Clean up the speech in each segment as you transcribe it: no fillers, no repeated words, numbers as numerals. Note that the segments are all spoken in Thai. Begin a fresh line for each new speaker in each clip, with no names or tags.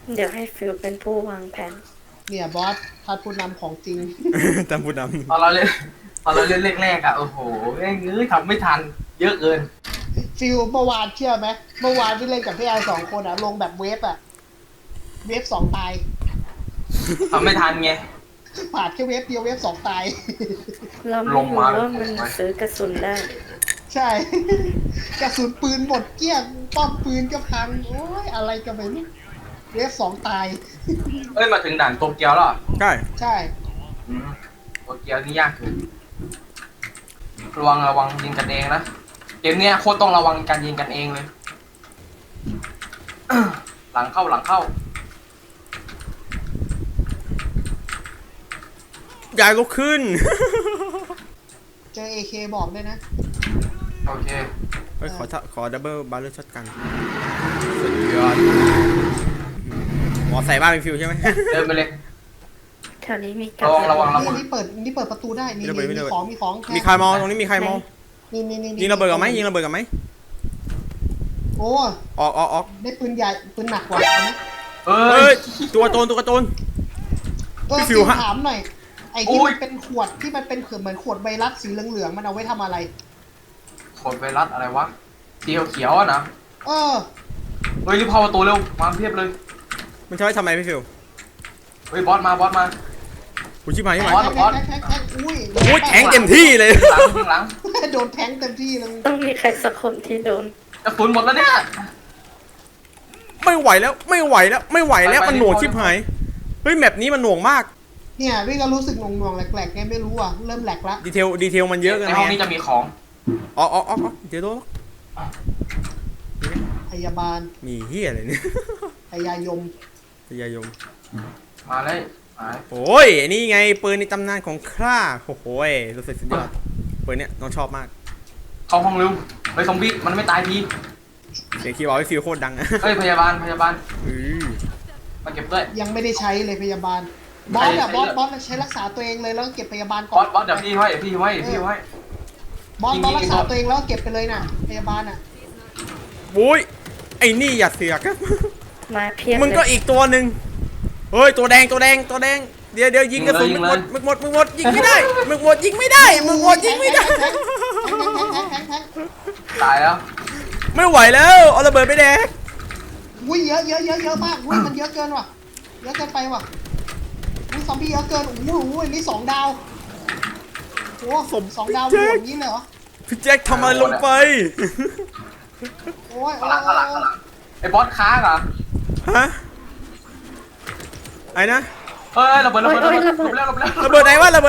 เดี๋ยวให้ฟิลเป็นผู้วางแผน
เนี่ยบอสท่านผู้นำของจริง
ตามผู้น
ตอนเราเล่นตอนเราเล่นแรกๆอ่ะโอ้โหแม่งทำไม่ทันเยอะเกิน
ฟิลเมื่อวานเชื่อไหมเมื่อวานที่เล่นกับพี่ไอสองคนอะลงแบบเวฟอะเวฟสองตาย
ทำไม่ทันไง
ผ่านแค่เวฟเดียวเวฟสองตาย
เราไม่
ลง
รู้
มา
ว่ามันซื้อกระสุนได้
ใช่ กระสุนปืนหมดเกลี้ยงป้อมปืนก็พังโอ้ยอะไรกันไปนี่เวฟสองตาย
เอ้ยมาถึงด่านโตเกียวแล้วเหรอ
ำใช่
ใช่
อืมโตเกียวนี่ยากคือระวังยิงกันเองนะเกมเนี้ยโคตรต้องระวังการยิงกันเองเลย หลังเข้า
ยายลุกขึ้น
เจอเอเคบอกด้วยนะ
โอเค
เฮ้ยขอดับเบิลบาร์เรอร์ช็อตกันสุดยอดหมอใส่บ้านเป็นฟิวใช่ไหม
เดินไปเลย
แถวนี้มีก
ระวัง
นี่เปิดประตูได้นี่
มีระเบิด
มีของมีของ
มีใครมองตรงนี้มีใครมอง
นี่
ยิงระเบิดกับไหมยิงระเบิดกับไหม
โอ้
ออก
ได้ปืนใหญ่ปืนหนักกว่าเอาไหม
เอ้
เฮ้
ย
ยตัวโจร พี่ฟิวฮะ
ถามหน่อยไอ้ที่มันเป็นขวดที่มันเป็นเหมือนขวดไวรัสสีเหลืองๆมันเอาไว้ทำอะไร
ขนไวรัสอะไรวะสีเขียวๆอะนะ
เออ
เฮ้ยรีบเข้าประตูเร็วมาเพียบเลย
มันใช้ทำไมพี่ฟิว
เฮ้ยบอสมา
กูชิบหายใช่ไหม
บอส
แทงอุ้ย
โอ้ยแทงเต็มที่เลย
หลัง
โดนแทงเต็มที่เลย
ต้องมีใครสักคนที่โดน
กระสุนหมดแล้วเนี่ย
ไม่ไหวแล้วไม่ไหวแล้ว
ไป
มันหน่วง
ไป
ชิบหายเฮ้ยแมปนี้มันหน่วงมาก
เนี่ยพี่ก็รู้สึกหน่วงๆแหลกๆไงไม่รู้อ่ะเริ่มแหลกละ
ดีเทลมันเยอะเกัน
ในห้องนี้จะมีของ
อ๋อเดี๋ยวโดน
พยาบาล
มีเฮียอะไรเนี่ย
พยายม
พยายม
มาเลยมา
โอ้ยนี่ไงปืนในตำนานของข้าโอ้โหรู้สึกสุดยอดปืนเนี้ยน้องชอบมาก
เข้าห้องเร็วเฮ้ยซอมบี้มันไม่ตายที
เสียงคีย์บอร์ดพี่ฟิวโคตรดังอะ
เฮ้ยพยาบาล
อือ
มาเก็บด้วย
ยังไม่ได้ใช้เลยพยาบาลบอสอะบอสใช้รักษาตัวเองเลยแล้วก็เก็บพยาบาลก่
บ
อ
อน สเดี๋ยวพี่ไว้
บอสรักษาตัวเองแล้วก็เก็บไปเลยน่ะพยาบาลอ่ะ
โอ้ยไอ้นี่อย่าเสือก
มาเพียบ
มึงก็
เลย
อีกตัวหนึ่งเฮ้ยตัวแดงเดี๋ยวยิงกระสุนมึงหมดยิงไม่ได้มึงหมดยิงไม่ได้
แทง
ตายแล้ว
ไม่ไหวแล้วเอาระเบิดไปแดก
อุ้ยเยอะมากอุ้ยมันเยอะเกินว่ะเยอะเกินไปว่ะอุ้ยซอมบี้เยอะเกินโอ้โหนี่2 ดาวโอ้สองดาวหมดอย่างนี้เลยเหรอ
พี่แจ็คทำอะไรลงไป
โอ้ย
ข้างหลังไอ้บอสค้างเหรอ
ฮะไอ้นะ
เฮ้ยระเบิดแล้ว
ระเบิดไหนวะ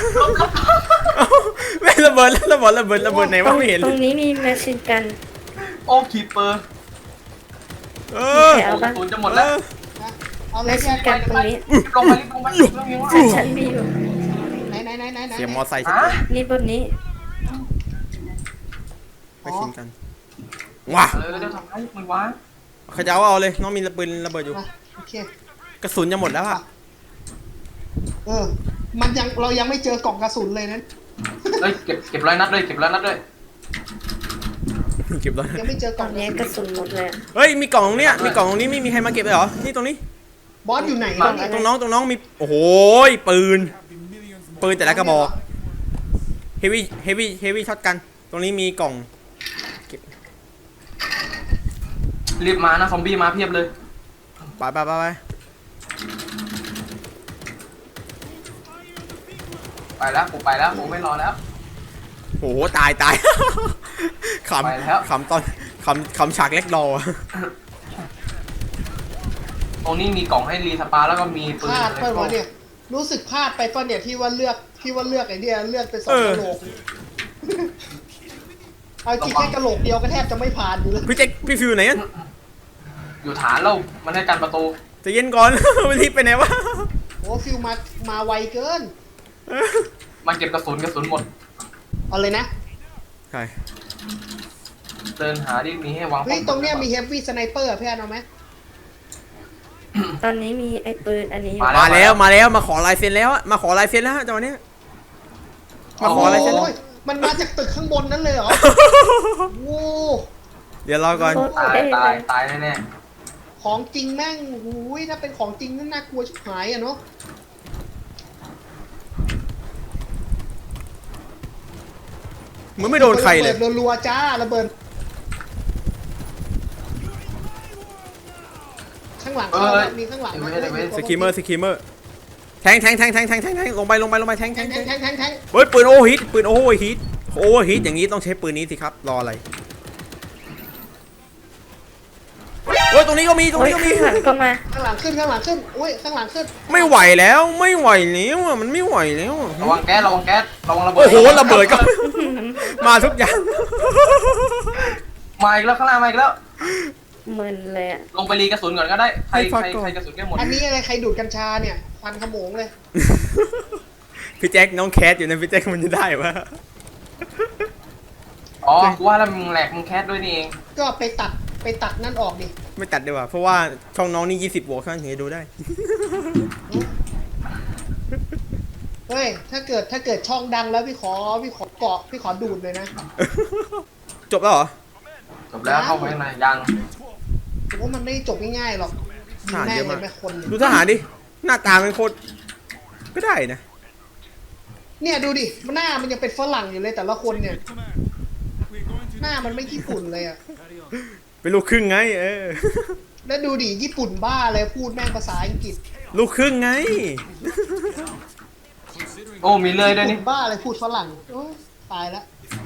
ไม่ระเบิดไหนวะไม่เห็น
ตรงนี้มีแมชชีนกัน
โอ้คีเปอร์
เออ
แถวบ้าน
ศูนย์จะหมดแล้ว
เอาเล
แม
ย
ชชีนกันตรงนี้
รีบลงไป
ฉันมีอยู่
ไหน
เสียงมอไซค์ชัด
นี่บนนี้
ไปชิมกันว้า
เดี๋ยวทำให้มึงวะ
เขาจะเอาเลยน้องมีปืนระเบิดอยู่
โอเค
กระสุนจะหมดแล้วอะ
เรายังไม่เจอกล่องกระสุนเลยนั้น
เฮ้ยเก็บร้อยนัดด้วย
เก็บแล้ว
ยังไม่เจอก
ต
ล่
อ
อน ง
นี้กระสุนหมดเลย
เฮ้ยมีกล่องตรงเนี้ยไม่มีใครมาเก็บเลยเหรอนี่ตรงนี้
บอสอยู่ไหน
ตรงน้องมีโอ้โหปืนแต่ละกระบอกเฮวี่ช็อตกันตรงนี้มีกล่อง
รีบมานะซอมบี้มาเพียบเลย
ไป
ไปแล้วผมไม่รอแล้ว
โอ้โหตาย
ไปแล้ว
ขำฉากเล็กรอ
ตรงนี้มีกล่องให้รีสปาแล้วก็มีปื
พ
น
ลาดไปวะเนี่ยรู้สึกพลาดไปป่ะเนี่ยที่ว่าเลือกไอ้เนี่ยเลือกไป2 กระโหลกเอาจริงแค่กระโหลกเดียวก็แทบจะไม่ผ่านอยู่เลย
พี่แจ็คพี่ฟิวไหน
อยู่ฐานเรามันให้กันประตู
จะเย็นก่อน มันรีบไปไหนวะ
โอ้ฟิลมาไวเกิน
มันเก็บกระสุนหมด
เอาเลยนะ
ใช่
เดินหาที่มีให้วาง
เฮ้ยตรงเนี้ยมีเฮฟวี่สไนเปอร์พี่เอาไหม
ตอนนี้มีไอ้ปืนอันนี้
มาแล้วมาขอลายเซ็นแล้วมาขอลายเซ็นแล้วจังหวะนี้มาขอลายเซ็นแล้ว
โอ้ยมันมาจากตึกข้างบนนั้นเลยเหรอโอ้
เดี๋ยวรอก่อน
โคตร
ตาย
เท่เลย
ตายแน่
โของจริงแม่งหูยถ้าเป็นของจริงนั่นน่ากลัวชิบหายอะเนาะ
มึงไม่โดนใครเลย
ระเบิดรัวๆจ้าระเบิดข้างหลังเข้านะมีข้างหลังนะ
สกิมเมอร์แทงลงไปแทง
แทงแทง
เฮ้ยปืนโอเวอร์ฮีทอย่างนี้ต้องใช้ปืนนี้สิครับรออะไรเฮ้ยตรงนี้ก็มี
โอ้ยข้างหลังก็มา
ข้างหลังขึ้นอุ้ยข้างหลังขึ้น
ไม่ไหวแล้วอะมันไม่ไหวแล้วอะ
ระวังแก๊สระวังระเบิด
โอ้โหระเบิดก็ มาทุกอย่าง
มาอีกแล้วข้างล่างมาอีกแล้ว
มึนเลยอะ
ลงไปรีกระสุนก่อนก็ได้ใครกระสุนแก้หมด
อันนี้อะไรใครดูดกัญชาเนี่ยควันขโมงเลย
พี่แจ็คน้องแคทอยู่นะพี่แจ็คมันจะได้ปะ
อ๋อกูว่าแล้วมึงแหลกมึงแคสด้วยนี่เอง
ก็ไปตัดนั่นออกดิ
ไม่ตัดดีกว่าเพราะว่าช่องน้องนี่20บวกข้างนี้ดูได้
เฮ้ยถ้าเกิดช่องดังแล้วพี่ขอเกาะพี่ขอดูดเลยนะ
จบแล้วเหรอ
จบแล้วเข้าไปข้างในยัง
ผมว่ามันไม่จบง่ายๆหรอกยิงแม่งเลยแม่คนเนี่ย
ดูทหารดิหน้าตาเป็นโคตรก็ได้นะ
เนี่ยดูดิหน้ามันยังเป็นฝรั่งอยู่เลยแต่ละคนเนี่ย หน้ามันไม่ญี่ปุ่นเลยอะ
เป็นลูกครึ่งไง
แล้วดูดิญี่ปุ่นบ้าเลยพูดแม่งภาษาอังกฤษ
ลูกครึ่งไง
โอ้มีเลยด้วย
ญี่
นี่
ปุ่นบ้าเลยพูดฝรั่งโอ้ยตายแล้ว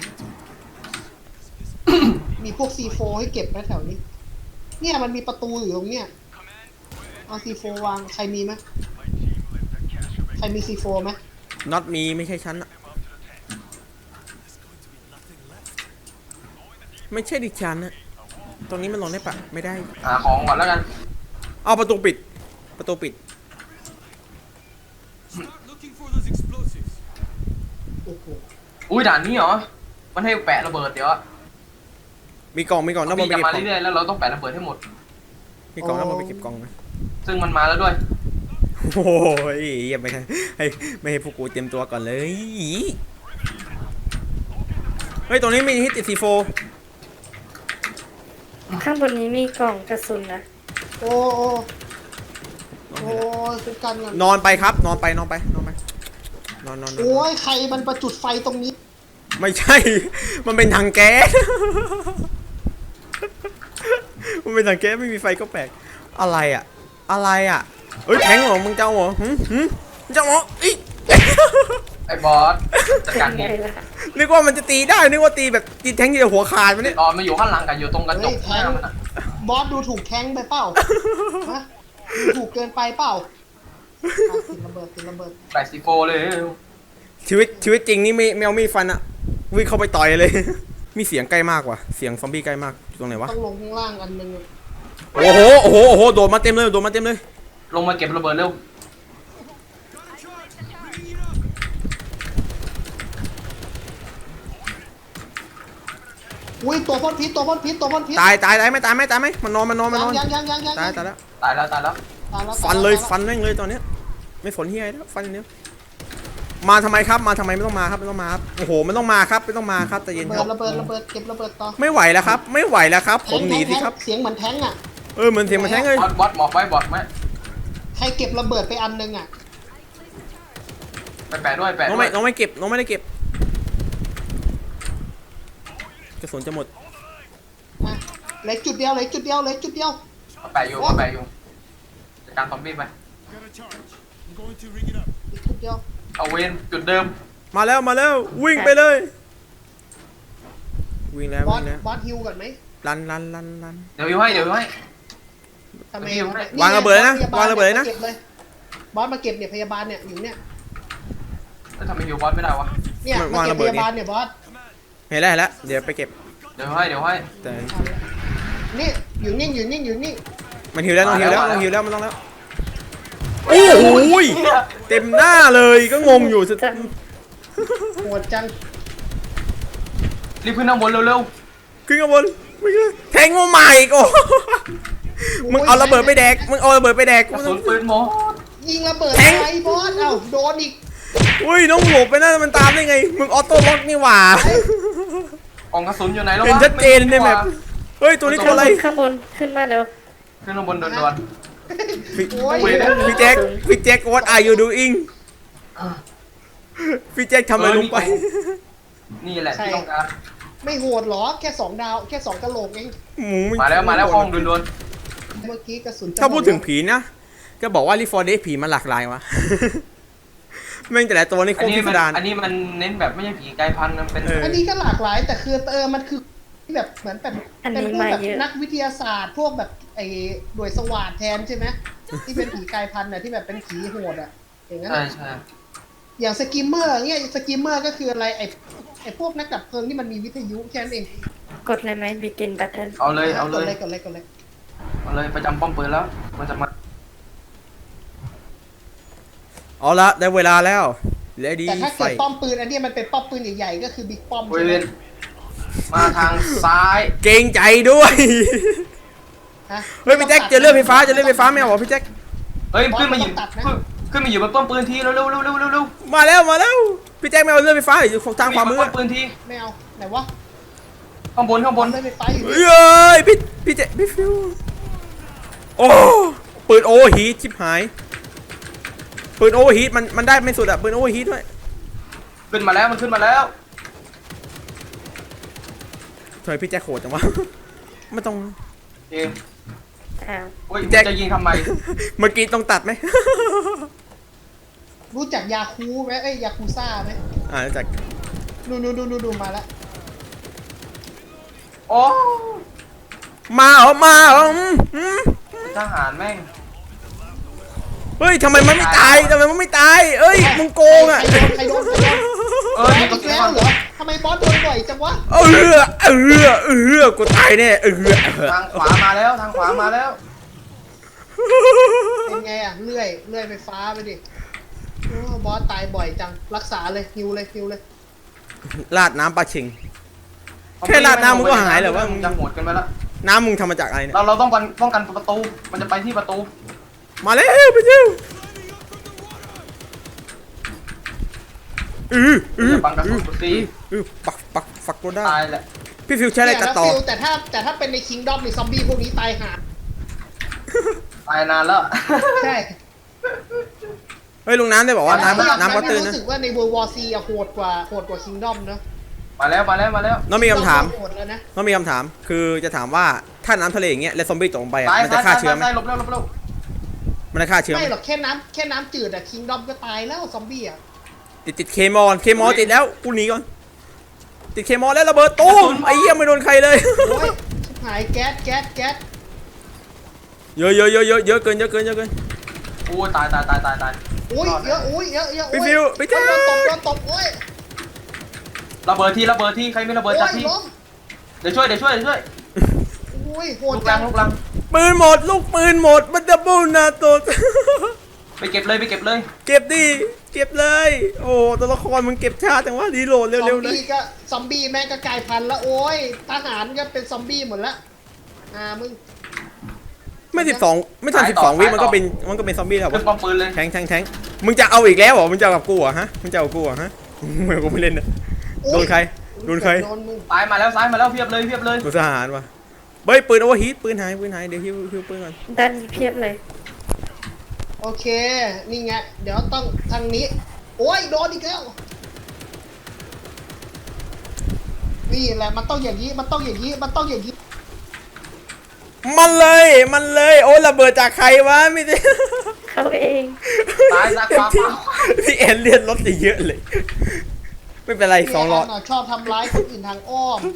มีพวก C4 ให้เก็บไหมแถวนี้ เนี่ยมันมีประตูอยู่ตรงเนี้ยเอา C4 วางใครมีไหมใครมี C4 ไหม
น็อตมีไม่ใช่ฉันอะไม่ใช่ดิฉันอะตรงนี้มันลงได้ปะไม่ได้
หาของก่อนแล้วกัน
เอาประตูปิด
โอ้โห
อุ้ยด่านนี้เหรอมันให้แปะระเบิดเดี๋ยว
มีกล่องน้ำมัน
พี่
ไป
จะ
เก็บ
มาก
ล่อง
เรื่อยๆแล้วเราต้องแปะระเบิดให้หมด
มีกล่องน้ำมันไปเก็บกล่องนะ
ซึ่งมันมาแล้วด้วย
โอ้ยอย่าไปไม่ให้พวกกูเตรียมตัวก่อนเลยเฮ้ยตรงนี้มีที่ติดC4
ข้างบนนี้มีกล่องกระสุนนะ
โอ้เป็นกันกัน
นอนไปครับนอนไปนอน
โอ้ยใครมันประจุดไฟตรงนี้
ไม่ใช่ มันเป็นถังแก๊ส มันเป็นถังแก๊สไม่มีไฟก็แปลกอะไรอ่ะเอ้ยแทงเหรอมึงเจ้าเหรอเจ้าเหรออี
ไอ้บอสจัดการ
ไง
นี่
ล่ะ
นึกว่ามันจะตีได้นึกว่าตีแบบตีแทงที่หัวขาดมันเนี่ย
ตอนมาอยู่ข้างหลังกันอยู่ตรงกระจ
เฮ้ย
ก
แท
หน้าง มันอะ
บอสดูถูกแทงไปเปล่าฮะดูถูกเกินไปเปล่าอ่ะติดระเบิด
แปะซีโฟเลย
ชีวิตจริงนี่ไม่เอามีดฟันอะวิ่งเข้าไปต่อยเลย มีเสียงใกล้มากว่ะเสียงซอมบี้ใกล้มากอยู่ตรงไหนวะ
ต้องลงข้างล่างอันนึง
โอ้โหโดดมาเต็มเลย
ลงมาเก็บระเบิดเร็ว
อุ้ยตัวพ่นพิษ
ตายไหมมันนอน
ยัง
ตายแล้ว
ตายแล้ว
ตายแล้ว
ฟันแม่งเลยตอนเนี้ยไม่สนเฮียแล้วฟันอย่างเดียวมาทำไมไม่ต้องมาครับโอ้โหมันต้องมาครับไม่ต้องมาครับแต่เย็นครับ
ระเบิดเก็บระเบิดต่อ
ไม่ไหวแล้วครับผมหนีสิครับ
เสียงเหมือนแทงอ่ะ
เหมือนเสียงมันแทงเลย
บอสหมอบไว้บอสไหม
ใครเก็บระเบิดไปอันนึงอ่ะ
ไปแปะด้วยแปะ
น้อง
ด้วย
ไม่เก็บน้องไม่ได้เก็บกระสุนจะหมด
อ่ะเหลือจุดเดียว
แปะอยู่จัดการซอมบี้ไป
อีกจุดเดียว
เอาเวนจุดเดิม
มาแล้ววิ่งไปเลยวิ่งแล้ว
บอสฮิวก่อนไหม
รัน
เดี๋ยวให้
ทำไม
วางระเบิดนะวางระเบิดนะ
ก็บเลยบอสมาเก็บเนี่ยพยาบาลเนี่ยอยู่เนี่ย
แล้วทำไมฮิวบอสไม่ได้วะ
เนี่ยมาเก็บพยาบาลเนี่ยบอส
เห็นแล้วเดี๋ยวไปเก็บ
เดี๋ยวให้
แต่
นี่อยู่นิ่ง
มันหิวแล้วมันต้องแล้วโอ้โหเต็มหน้าเลยก็งงอยู่สุด
จัง
โหดจัง
รีบขึ้นข้างบนเร็ว
ขึ้นข้างบนแทงมาใหม่อีกโอ้มึงเอาระเบิดไปแดก
ๆกระสุนปืนหมด
ยิงระเบิดอะไรบอสเอ้าโดนอีก
อุ้ยน้องหลบไปนั่นมันตามได้ไงมึงออโต้ล็อกนี่หว่า
กล่องกระสุนอยู่ไหนแล้ววะ
เห็นชัดเจนในแมปเฮ้ยตัวนี้ตัวอะไร
ข้างบนขึ้นมาเร็ว
ขึ้นข้างบนโดน
พี่
โอ้ย
พี่แจ็ค what are you doing พี่แจ็คทำอะไรลงไป
นี่แหละที่ต้องการ
ไม่โหดหรอแค่2 ดาวแค่2กะโหลกเอง
มาแล้วห้องโดน
เมื่อกี้กระสุนจะ
ถ้าพูดถึงผีนะก็บอกว่ารีฟอร์เดผีมันหลากหลายวะ แม่งแต่ละตัวนี่โค
อัน
ตร
นี้
พิสดาร
อันนี้มันเน้นแบบไม่ใช่ผีกายพันธุ์มันเป็น
อันนี้ก็หลากหลายแต่คือมันคือแบบเหมือนแบบ
อัน
เป็น
นี้
พวก
มา
แบบ
เยอะ
นักวิทยาศาสตร์พวกแบบไอ้หน่วยสวาทแทนใช่ไหมที่เป็นผีกายพันธุ์น่ะที่แบบเป็นผีโหดอ่ะอย่างนั้น
ใช่
อะ
ใช่
อย่างสกิมเมอร์เงี้ยสกิมเมอร์ก็คืออะไรไอ้พวกนักดับเพลิงที่มันมีวิทยุแค่นั้นเอง
กดเลยไหม begin button
เอาเลย
กดเลย
เอาเลยประจำป้อมปืนแล้วมันจะมา
เอาละได้เวลาแล้วเลดี้
แต่ถ้า
ไฟ
เกิดป้อมปืนอันเนี้ยมันเป็นป้อมปืนใหญ่ๆก็คือบิ๊กป้อม
เว
ใช่ไหม
นมาทางซ้าย
เกรงใจด้วย
ฮะ
เฮ้ยพี่แจ็คเจอเรื่องไฟฟ้าไม่เอาเหรอพี่แจ็ค
เฮ้ยขึ้นมาอยู่ขึ้นมาอยู่บนป้อมปืนทีเร็ว
มาแล้วพี่แจ็คไม่เอาเรื่องไฟฟ้าอยู่ทางขวามือ
ป้อมปืนที
ไม่เอาไหนวะ
ข้างบน
ได้ไฟฟ้าอยู่
เฮ้ยพี่แจ็คพี่ฟิวโอ้ปืนโอเวอร์ฮีทชิบหายปืนโอเวอร์ฮีทมันได้ไม่สุดอะปืนโอเวอร์ฮีทด้วย
ขึ้นมาแล้วมันขึ้นมาแล้ว
ทำไมพี่แจ็คโหดจังวะ ไม่ต้อง
เอ๊ะ
อ้าว
โอ้ย
แจ็ค
จะยิงทำไม
เมื่อกี้ต้องตัดไหม
รู้จักยาคูไหมยาคูซ่าไหม
จาก
ดูมาแล้ว
โอ้
มาเหรอ
ทหารแม่ง
เฮ้ยทำไมมันไม่ตายเอ้ยมึงโกงอะ
ใครโดน
เออ
อีกแล้วเหรอทำไมบอสโดนบ่อยจังวะ
กูตายแน่
ทางขวามาแล้วทางขวามาแล้ว
เป็นไงอ่ะเลื่อยไฟฟ้าไปดิโอ้บอสตายบ่อยจังรักษาเลยฮิวเลย
ลาดน้ำปลาชิง แค่ราดน้ำมึงก็หายเหรอวะ
มึงจะโหดกันไปแล้ว
น้ำมึงทำมาจากอะไรเนี่ย
เราต้องป้องกันประตูมันจะไปที่ประตู
มาแล้วพี่ฟิว
อย่าบังกระสุนกูสิ
ปักกูได้
ตายแหละ
พี่ฟิวใช้อะไรตัดต่อ
แต่ถ้าเป็นในคิงดอมในซอมบี้พวกนี้ตายหา
ตายนานแล้ว
ใช่
เฮ้ยลุงน้ำได้บอกว่าน้ำก็ตื้นนะ
รู้สึกว่าใน World War C อะโหดกว่าคิงดอมเนอะ
มาแล้ว
น้องมีคำถาม
โหดแล้วนะ
น้องมีคำถาม คือจะถามว่าถ้าน้ำทะเลอย่างเงี้ยแล้วซอมบี้ตกลงไปอะ
ตาย
มันจะฆ่าเชื้อไหม
ตายหลบเร็ว
มันจะฆ่าเชื้อไหม
ไม่หรอกแค่น้ำจืดอะคิงดอมก็ตายแล้วซอมบี้อะ
ติดเคมอลติดแล้วกูหนีก่อนติดเคมอลแล้วระเบิดตู้มไอ้เหี้ยไม่โดนใครเลย
โอ้ยชิบหายแก๊ส
เยอะเกิน
โอ้ยตาย
โอ้ยเยอะโอ้ยเยอะ
พี่ฟิวพี่แจ๊ค
โดนตบโอ้ย
ระเบิดที่ใครไม่ระเบิด
โอ้
จัด
ย
ที่
ล้ม
เดี๋ยวช่วย
โอ้ยโห
ลู
ด
ก
จั
ลั
ง
ง
ปืนหมดลูกปืนหมดมันดับเบิลนาโต
ไปเก็บเลย
เก็บเลยโอ้ตัวละครมึงเก็บช้าจังวะรีโหลดเร็วๆเลย
ซอมบี้แม่งก็กลายพันธุ์แล้วโอ้ยทหารก็เป็นซอมบี้หมดละมึง
ไม่ทัน12 วิมันก็เป็นซอมบี้แล้ว
ขึ้นป้อมปืนเลย
แทงมึงจะเอาอีกแล้วเหรอมึงจะเอากับกูเหรอฮะมึงจะเอากับกูเหรอฮะไม่กูไม่เล่นนะโดนใคร
โดนมึง
ซ้ายมาแล้วเพียบเลย
กูทหารวะเฮ้ยปืนโอเวอร์ฮีทปืนหายเดี๋ยวฮิวปืนก่อน
ด้านนี้เพียบเลย
โอเคนี่ไงเดี๋ยวต้องทางนี้โอ้ยโดนอีกแล้วนี่แหละมันต้องอย่างนี้
มันเลยโอ้ยระเบิดจากใครวะไม่ได้
เขาเอง
ซ้ายขวา
พี่เอ็นเลียนรถเยอะเลย ไม่เป็นไร2 หลอด
ชอบทำร้ายคนอื่นทางอ้อม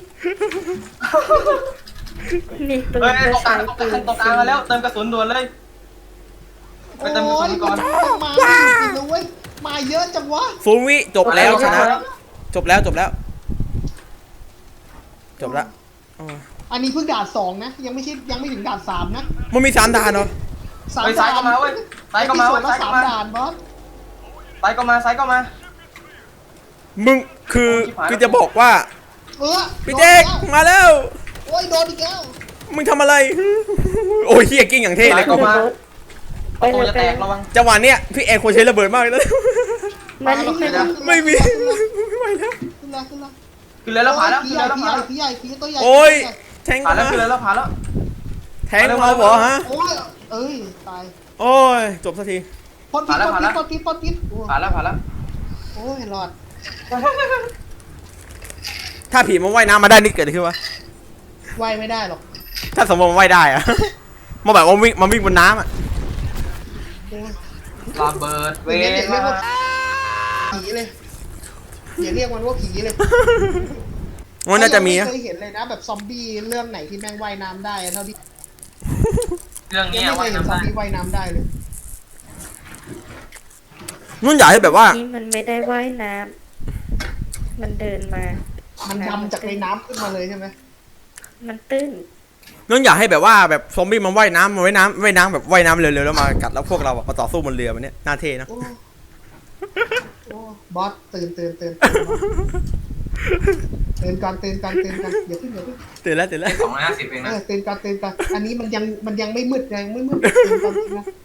มีปืน
เฮ้ย
ก็
ตรงกลา
ใช้
ง
ปืน
มาแล้วเติมกระสุนด่วนเลยไปเติมกระสุนก่อน
มาจริงๆนะเว้ยมาเยอะจังวะ
0 วิจบแล้วชนะจบแล้วอ๋อ
อันนี้เพิ่งด่าน2นะยังไม่ถึงด่าน3นะ
มันมี3 ด่านเหรอ
เฮ้ยซ้ายก็มาเว้ยซ้ายก็มา
แล้ว3ด่านบอส
ซ้ายก็มา
มึงคือจะบอกว่า
เออ
พี่เจ๊กมาแล้ว
โอ้ยโดนอีกแล้ว
มึงทำอะไร โอ้ยเฮียกิ้งอย่างเท่เลย
ก็มา
ไป
ตัว
เลย
จะ
ไป
แต
เล
ก
ย
ระวัง
จังหวะเนี้ยพี่เอ็นควรใช้ระเบิดมากเลย
มานี่มานี่
ไม่มีไม่ไหวแล้ว
ขึ้นละ
คือแล้วผ่านแล้ว
ผีใหญ่ผีตัวใหญ่
โอ้ยแทง
ผ่าน
มา
แล้วคือแล้วผ่านแล้ว
แทแทงเราเหรอฮะ
โอ้ยเอ้ยตาย
โอ้ยจบสักที
พ่นพิษพ่นพิษพ่นพิษพ่นพิษโอ้
ผ่านแล้วผ่านแล้ว
โอ้ยรอด
ถ้าผีมันว่ายน้ำมาได้นี่เกิดอะไรขึ้นวะ
ว่ายไม่ได้หรอก
ถ้าสมมติมันว่ายได้อะ มาแบบว่าวิ่งบนน้ำอะ
โอ้ย
ระเบิดเว
อย่างเงี้ยอย่าเรียกว่า
ท
ผีเลยอย่าเรียกมันว่าผีเลย
มันน่าจะมี
ไม่
นะ
เคยเห็นเลยนะแบบซอมบี้เรื่องไหนที่แม่งว่ายน้ำได้เท่าที่
เรื่อง
ยั
นี้
งไม่เค
ว่าย
ยเห็น
น้ำ
ซอม
ได้
บี้ว่ายน้ำได้เลย
นุ่นอยากให้แบบว่า
นี่มันไม่ได้ว่ายน้ำมันเดินมา
มันดำจากในน้ำขึ้นมาเลยใช่ไหม
มันตื้น
นุ่นอยากให้แบบว่าแบบซอมบี้มันว่ายน้ำแบบว่ายน้ำเร็วๆแล้วมากัดแล้วพวกเราอะมาต่อสู้บนเรือมันเนี้ยน่าเท่นะ
โอ้โอ้บอสตื่นตื่นก่อนอย่าเพิ่ง
ตื่นแล้ว
250เอง
เอ
นะ
อตื่นก่อนอันนี้มันยังไม่มืดตื่นก่อนนะ